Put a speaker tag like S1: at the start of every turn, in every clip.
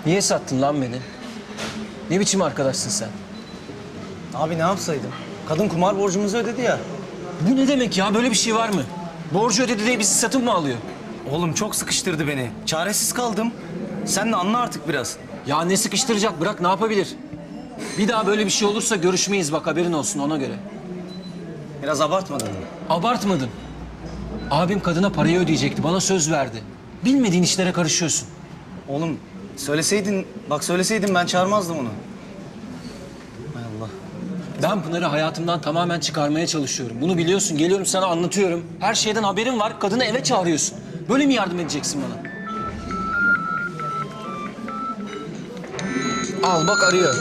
S1: Niye sattın lan beni? Ne biçim arkadaşsın sen?
S2: Abi ne yapsaydım? Kadın kumar borcumuzu ödedi ya.
S1: Bu ne demek ya? Böyle bir şey var mı? Borcu ödedi diye bizi satın mı alıyor?
S2: Oğlum çok sıkıştırdı beni. Çaresiz kaldım. Sen de anla artık biraz.
S1: Ya ne sıkıştıracak? Bırak, ne yapabilir? Bir daha böyle bir şey olursa görüşmeyiz, bak haberin olsun, ona göre.
S2: Biraz abartmadın mı?
S1: Abartmadın. Abim kadına parayı ödeyecekti, bana söz verdi. Bilmediğin işlere karışıyorsun.
S2: Oğlum söyleseydin ben çağırmazdım onu. Hay Allah.
S1: Ben Pınar'ı hayatımdan tamamen çıkarmaya çalışıyorum. Bunu biliyorsun, geliyorum sana anlatıyorum. Her şeyden haberin var, kadını eve çağırıyorsun. Böyle mi yardım edeceksin bana? Al bak, arıyor.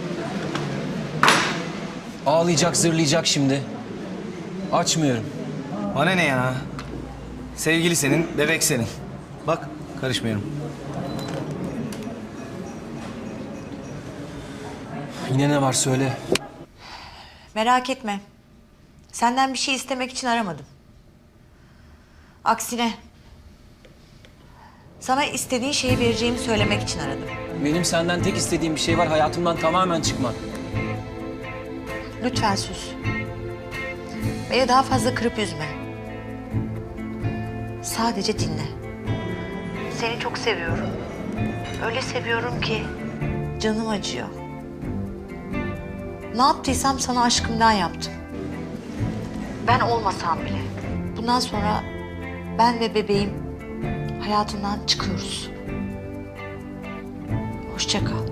S1: Ağlayacak, zırlayacak şimdi. Açmıyorum.
S2: Bana ne ya? Sevgili senin, bebek senin. Bak karışmıyorum.
S1: Yine ne var söyle.
S3: Merak etme. Senden bir şey istemek için aramadım. Aksine sana istediğin şeyi vereceğimi söylemek için aradım.
S1: Benim senden tek istediğim bir şey var, hayatımdan tamamen çıkman.
S3: Lütfen sus. Beni daha fazla kırıp üzme. Sadece dinle. Seni çok seviyorum. Öyle seviyorum ki canım acıyor. Ne yaptıysam sana aşkımdan yaptım. Ben olmasam bile. Bundan sonra ben ve bebeğim hayatından çıkıyoruz. Hoşça kal.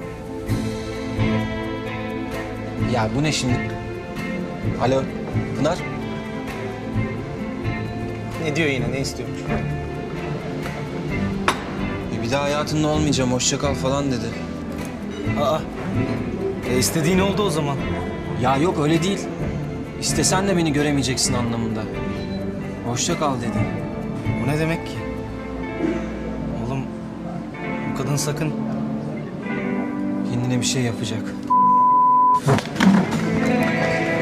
S1: Ya bu ne şimdi? Alo, Pınar?
S2: Ne diyor yine, ne istiyormuş?
S1: Bir daha hayatında olmayacağım, hoşça kal falan dedi.
S2: Aa, istediğin oldu o zaman.
S1: Ya yok, öyle değil. İstesen de beni göremeyeceksin anlamında. Hoşça kal dedi.
S2: O ne demek ki? Oğlum, bu kadın sakın.
S1: Kendine bir şey yapacak.